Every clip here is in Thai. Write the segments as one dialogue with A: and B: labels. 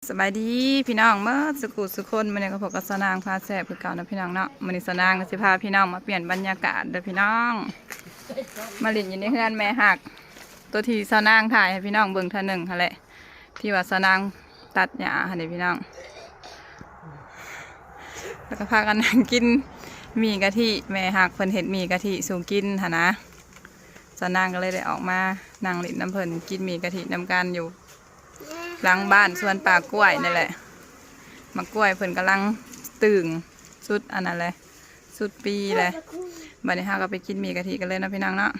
A: สบายดีพี่น้องเมื่อสุขุสุคนมันเนี่ยก็พบกับสนางพาแซ่บคือเก่านะพี่น้องเนาะมันนี่สนางก็สิพาพี่น้องมาเปลี่ยนบรรยากาศเด้อพี่น้องมาหลินอยู่ในเฮือนแม่หักตัวที่สนางถ่ายให้พี่น้องเบิ่งเท่านึงหั่นแหละที่ว่าสนางตัดหญ้าหั่นเด้พี่น้องแล้วก็พากันนั่งกินหมี่กะทิแม่หักเพิ่นเฮ็ดหมี่กะทิสู่กินหั่นนะสนางก็เลยได้ออกมานั่งหลินน้ำเพิ่นกินหมี่กะทิน้ำกันอยู่หลังบ้านสวนป่ากล้วยนี่แหละมะกล้วยเพิ่นกำลังตึงสุดอันนั้นเลยสุดปีเลยบัดนี้ฮาก็ไปกินหมี่กะทิกันเลยนะพี่น้องเนาะ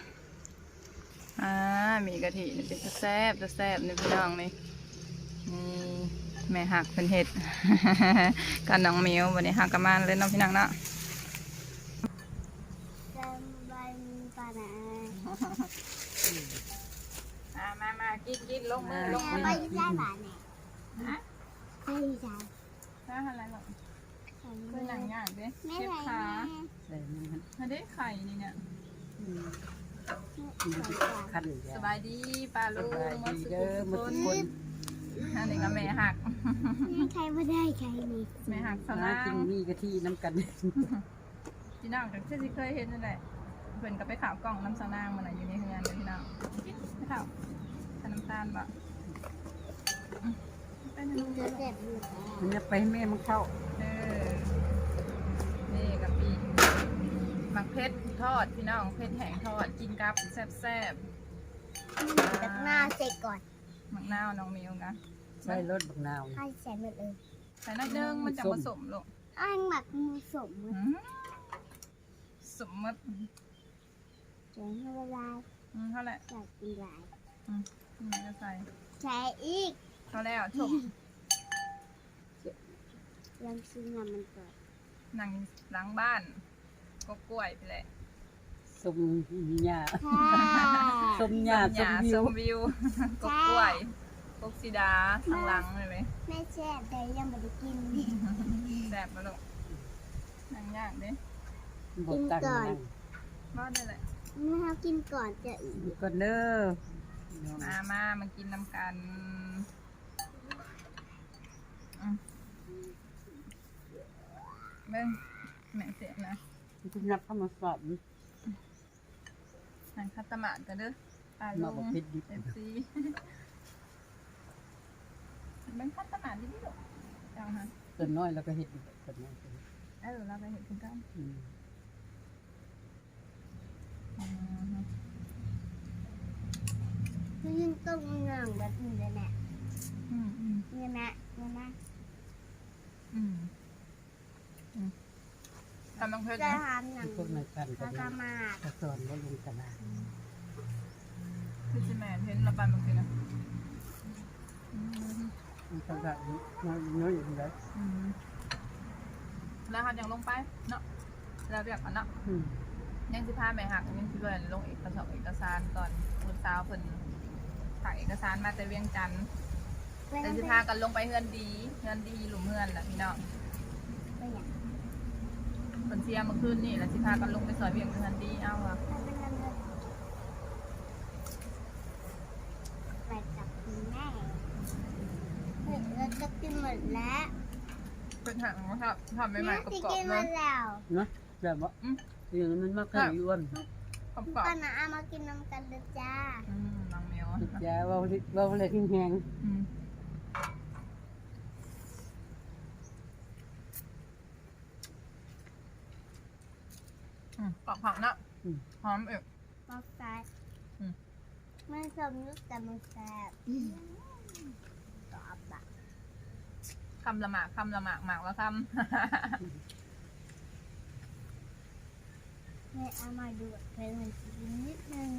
A: หมี่กะทินี่เป็นแซ่บนี่พี่น้องนี่แม่หักเป็นเห็ด กันน้องมิวบัดนี้ฮากระมานเลยเนาะพี่น้องเนาะมากินลงมือ
B: ไปได้บ้านเนี่ยฮะไปได้
A: ถ้าอะไรหรอกคือหนังยากเด้เชฟขาถ้าได้ไข่นี่เนี่ยสบายดีปลาลูกมาสุกคนอันนี้ก็แม่หัก
B: ใครไม่ได้ใครมี
A: แม่หักสลา
C: กินมีกะทิน้ำกัน
A: พี่น้องจากที่เคยเห็นนั่นแหละเพิ่นก็ไปข่าวกล่องน้ำสนางมันอยู่ในเฮือนเลยพี่น้องไปข่าวน้ำตาลบะ
C: มันจะไปให้แม่มันเข้า
A: นี่กับปีหมักเพชรทอดพี่น้องเพชรแห้งทอดกินกับแซ่บ
B: ตักหน้าเสร็จก่อน
A: หมักนาวน้องมิวนะ
C: ใส่รสบักนาว
B: ให้ใส่หมดเลย
A: ใส่น้อยนึงมันจะผสมลูก
B: อ้างหมักผสม
A: สมมติ
B: เจ๋งเท่าไร
A: เท่าไหร่
B: ใส่กินหลาย
A: นี่ก็ใส่
B: อีก
A: เท่าแล้วชม
B: ยังซื้องานมันก่อน
A: นั่งหลังบ้านก็กล้วยไปเลย
C: สมหญ้าสมหญ้า
A: สมวิวก็กล้วยกกสีดาทางหลังเลยไหม
B: แม่แซ่บแต่ยังไม่ได้กิน
A: แซ่บมาลูกนั่งยากเด้
B: กินก่อน
A: บ้านได้เลย
B: ไม่เอากินก่อนจะอีก
C: ก่อนเด้อ
A: มากินน้ำกันเบิ้งแม่เสียนะ
C: คุณนับเข้ามาสอบ
A: นั่งคัตตมาดกันเด้อปลาลูกเอฟซีเบิ้งคัตตมาดดิลูกเอาฮะ
C: ส่วนน้อยเราก็เห็ดส่วนน้อย
A: เราไปเห็ดกัน
B: ยังต้องงานแบบนี้เลยแม่เนี่ยแม่
A: ทำบางเพชร
B: จะทำอย่าง
C: พวกในกันก็
B: มา
C: สอนว่าลงตลาด
A: คือจิแม่เพชรระบายบางเพชรนะ
C: ตลาดน้อยอย่างไร
A: แล้วหักยังลงไปเนาะเราเรียกกันเนาะยังสิพาแม่หักยังสิเบิร์นลงเอกสารตอนคุณสาวเพิ่นถ่ายเอกสารมาแต่เวียงจันทร์แต่สิพากันลงไปเฮือนดีหลุมเฮือนแหละพี่น้องเพิ่นเสียเมื่อคืนนี่แล้วสิพากันลงไปซอยเวียงเฮือนดีเอาอะ
B: ไปจับคุณแม่เราจะกินหมดแล้ว
A: เป็นถังนะครับทำใหม่ๆกรอบๆ
B: เลย
C: นะแบบว่าอย่างนั้นมากขึ้นอ้วน
B: ป้าหนาเอามากินน้ำกันเลยจ้า
A: น้องเมียว
C: จ้าว่าเลยแห้ง
A: กรอบผักเนาะหอมเอก
B: มอกซ้ายไม่สมยุทธ์แต่มันแซ่บกรอบอะ
A: คำละหมากหมากละคำ
B: แม่เอามาดูเพลงมันนิดนึง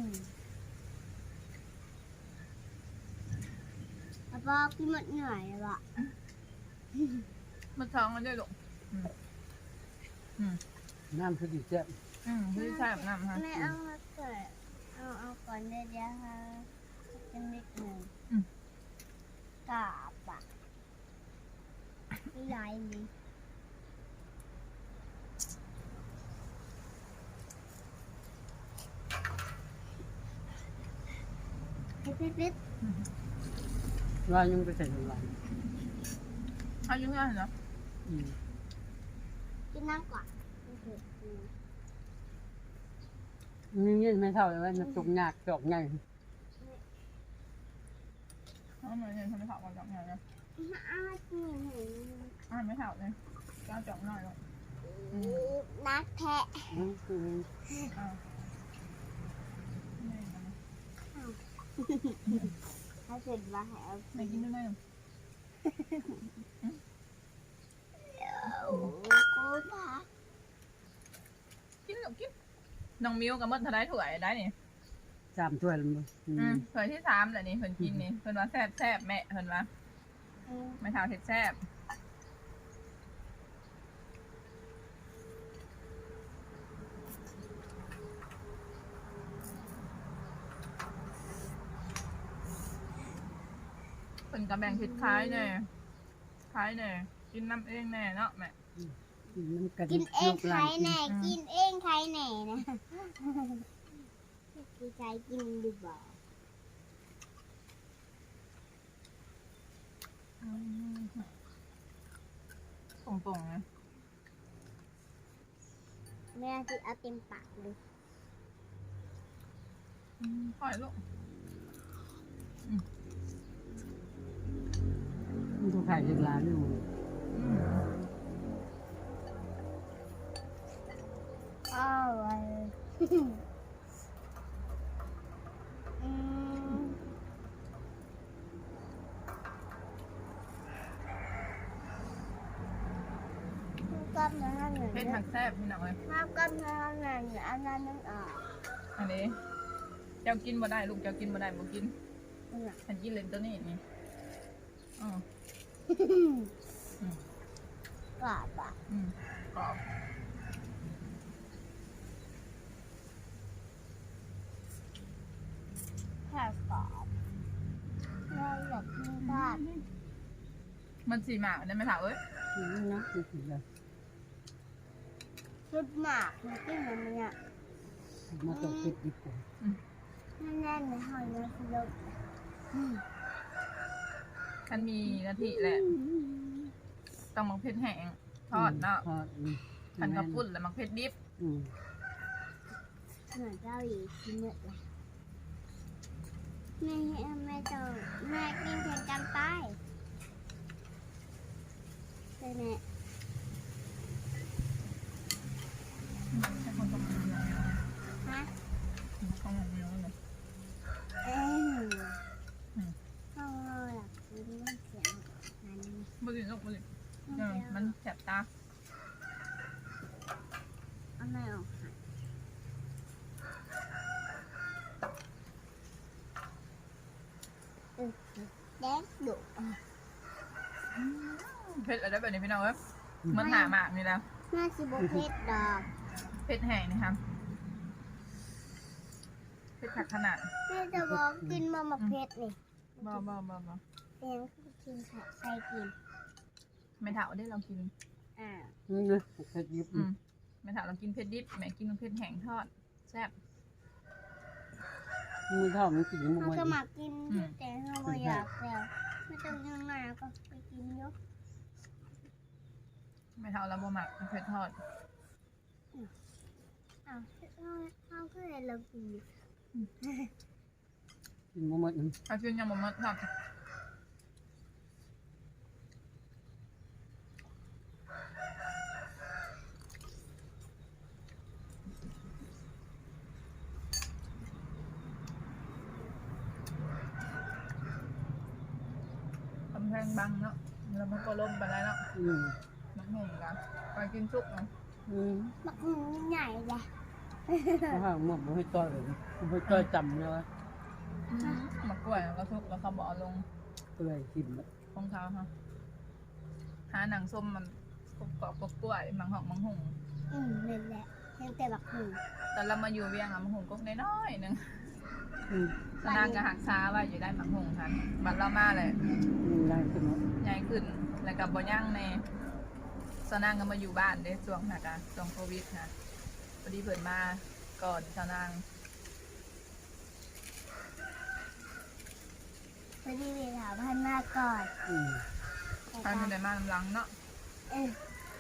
B: แล้วก็พี่หมดเหนื่อยแล้วอ่ะ
A: มันท้องกันด้วยลูก
C: น้ำคือดีเจ้า
A: คือใช่แบบน้ำฮะ
B: แม่เอามาเกิดเอาก่อนเดี๋ยวค่ะจะนิดนึงกราบอ่ะใหญ่ดี
C: ว่ายังไปใส่ถุงลาย
A: เขาอยู่เพื่อนเหรอ
C: อืม
B: กินน้ำก่อนไม่เผ็ดอืม
C: นี่เงินไม่เท่าเลยว่ามันจุกหนักจอกใหญ่
A: เขาเหมือนเห็นทำไม่ถอดก่อนจับไงนะ
B: อ้าวกินเห็น
A: ไม่ถอดเลยก้าวจับหน่อยหรอก
B: นักแทะ
C: คือ
A: อ้าวไม่นะ
B: ถ้าเสร็จมาให้เอา
A: ไม่กินด้วยไหม
B: โอ้กูพา
A: กินหรอกกินน้องมิวกับมดทนายถั่วได้นี่
C: 3 ถ้วยแล้วมั้ง
A: ถั่วที่3แหละนี่เพิ่นกินนี่เพิ่นว่าแซ่บแม่เพิ่นว่า
B: อืม
A: ไม่เท่าเผ็ดแซ่บเพิ่นก็แบ่งเผ็ดคล้ายแน่กินน้ำเองแน่เนาะแม่
C: น้ำกัน
B: กินเองใครแหน่กินเองใครแหน่นะกูใจกินดีบ่า
A: ป่งๆนะ
B: แม่ที่เอาเต็มปากเลย
A: ปล่อยลูก
C: มันถูกขายจากร้านอยู่
B: อ้าวอืมกับเนื้อหนึ่ง
A: เผ็ดผักแซ่บพี่น้องเลย
B: มากับเนื้อหนึ่งอันนั้นนึงอ่ะ
A: อันนี้เจ้ากินบ่ได้ลูกเจ้ากินบ่ได้บ่กิน
B: เนี่ย
A: ฉันกินเลนตัวนี้นี่อ๋อก
B: รอบอ่ะ
A: กรอบ
B: แค่กรอบเราอยากกินบ้าน
A: มันสีหมากได้ไหมถามเอ้ย
C: นี่นะคือสิเลย
B: ชุดหมากมันกินแบบนี้อ่ะ
C: มาตกติดดีกว่า
B: แน่นๆในหอยนะคือเรา
A: คันมีกะทิแหละต้องมักเผ็ดแห้งทอดเนาะ
C: ทอด
A: คันกระปุ้นแล้วมักเผ็ดดิบ
B: เหมือนเจ้าหญิงกินเยอะเลยแม่แม่จะแม่กินแข่งกันไปใช่ไหม
A: ให้คนต้องกินเยอะ
B: ฮะ
A: ต้องกินเยอะเลย
B: เอ้ยเขาอยากกินมันเสียงนั้น
A: บ่กินลูกบ่กินมันแสบตา
B: เอาไม่ออกค่ะแดงดุ
A: เผ็ดอะไรแบบนี้พี่น้องเอ้ยเหมันหามากนี่แล้ว
B: แม่สิบเพชรดอก
A: เผ็ดแห้งนี่ครับเผ็ดผักขนาด
B: แม่จะบอกกินมาเพชรนี่
A: บ่
B: แดงคือกินใส่กิน
A: ไม่เท่าได้เรากิน
B: อ่า
C: นี่นะเผ็ดยิบ
A: ไม่เท่าเรากินเผ็ดดิบแม่กินเผ็ดแห้งทอดแซ่บ
C: มือเท่ามันกินมัน
B: เขา
C: มัน
B: จะมากินแต่เขาไม่อยากแล้วไม่ต้องยังไงก็ไปกินเยอะ
A: ไม่เท่าเราบ่หมักเผ็ดทอด
B: อ้าวเขาก็เลยเรากิน
C: กินมันมัน
A: ถ้ากินยังบ่หมดครับกำแพงบังเนาะแล้วมันก็ล่มไปแล้วเนาะมันห่มกันไปกินซุปเนาะ
B: มักใหญ่เลย
C: เพราะว่าหมดมันให้ต่อยเลยมันให้ต่อยจำเลยวะ
A: มะกล้วยแล้วก็ซุปแล้วเขาบอกเอาลง
C: ก็เลยกินแบบ
A: ของเขาฮะหาหนังส้มมันกรอบกล้วยมังหอกมังหง
B: นั่นแหละยังแต่บักหนึ่ง
A: แต่เรามาอยู่เวียงอะมังหงก็น้อยๆหนึง
C: อืม
A: สนางก็หักช้าว่าอยู่ได้มังหงทันบัดเรามาเลย
C: ได้ขึ้นเนาะ
A: ใหญ่ขึ้นแล้วกับบ่ย่างในสนางก็มาอยู่บ้านเด้ช่วงหักอะช่วงโควิดนะพอดีเพิ่นมาก่อนสนาง
B: พอดีเวลาพันมาก่อน
C: อืม
B: แต่
A: ใครคนใดมาลำหลังเนาะ
B: เออ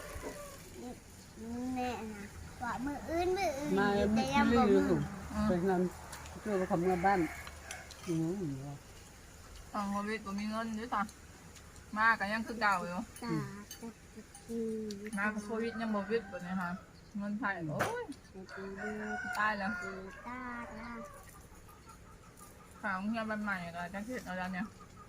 B: แม่นะว่ามืออื่น
C: มา
B: แต่ยัง
C: ไม่
B: บ่
C: รู้
B: มือ
C: เป็นนั้นช่วยเขาเมื่อบ้านอืม
A: ตอนโควิดบ่มีเงินด้วยซ้ำมาก็ยังคือเก่าอยู่
B: ตาตี
A: มาโควิดยังบ่วิดบ่เนี่ยค่ะเงินไทยโอ้ยตายแล้ว
B: ตาตา
A: ข่าวเฮียบันใหม่ก็จังสิเอาแล้วเนี่ย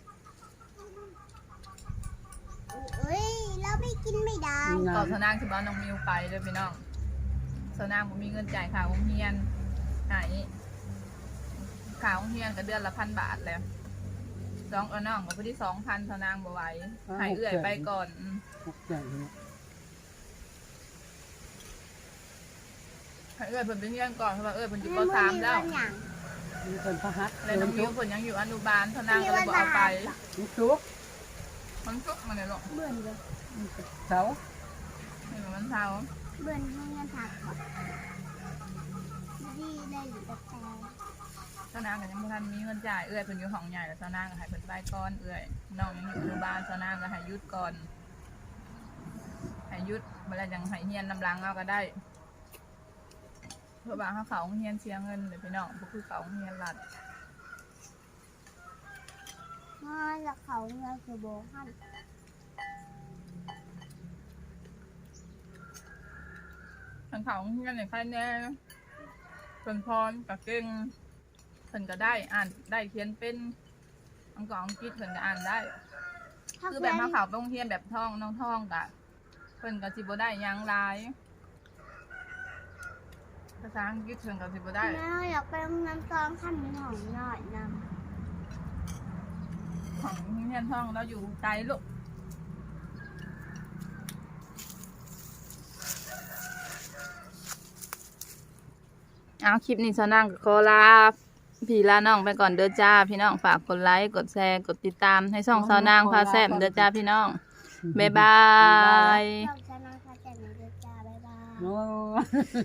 B: อุ้ยเราไม่กินไม่ได้
A: ต่อสนางคือบ้านน้องมิวไปเลยพี่น้องสนางบ่มีเงินจ่ายค่าโรงเรียนหายค่าโรงเรียนก็เดือนละ1,000 บาทแล้วน้องก็พอดี2,000สนางบ่ไหวให้เอื้อยไปก่อนให้เอื้อยเพิ่นไปเรียนก่อนเพราะว่าเอื้อยเพิ่นอยู่ป .3 แล้ว
C: มีคนพระฮัท
A: แล้วน้องมิวเพิ่นยังอยู่อนุบาลสนางก็เลยบ่เอาไป
C: ลูกชุก
A: มันซุกมาเลยลูก
B: เบื่อเลย
C: เสา
A: นี่มันเช้า
B: เบื่อให้เงินถักก่อนดีได้อยู่แต่แต่
A: สนางก็ยังบ่ทันมีเงินจ่ายเอื้อยเพิ่นอยู่ห้องใหญ่แล้วสนางก็ให้เพิ่นไปก่อนเอื้อยน้องยังอยู่อนุบาลสนางก็ให้หยุดก่อนให้หยุดเมื่อไรยังให้เฮียนน้ำลังเอาก็ได้เพื่อว่าเขาโรงเฮียนเสียเงินเลยพี่น้องบ่คือเขาโรงเฮียนรัฐ
B: พ่อจะเขาเงินคือโบหัน
A: ทางเขาโรงเฮียนในค่ายแน่เพิ่นพรกับเก่งเพิ่นก็ได้อ่านได้เขียนเป็นอังกฤษอังกฤษเพิ่นก็อ่านได้ คือแบบมาเขาโรงเรียนแบบท่องน้องท่องกะเพิ่นก็สิบ่ได้หยังหลายภาษาอังกฤษเพิ่นก็สิบ่ได้
B: แม่อยากไปโรงเรียนตอนขั้นหน่อยหน่อยน
A: ของโรงเรียนท่องเราอยู่ไกลลูกเอาคลิปนี้สนั่งขอลาพี่ลาน้องไปก่อนเด้อจ้าพี่น้องฝากกดไลค์กดแชร์กดติดตามให้ช่องสาวนางพาแซ่บเด้อจ้าพี่น้องบ๊ายบาย
B: ำชอบชนะค่ะแจกหนูด้วยจ้าบ๊ายบาย
C: โอ้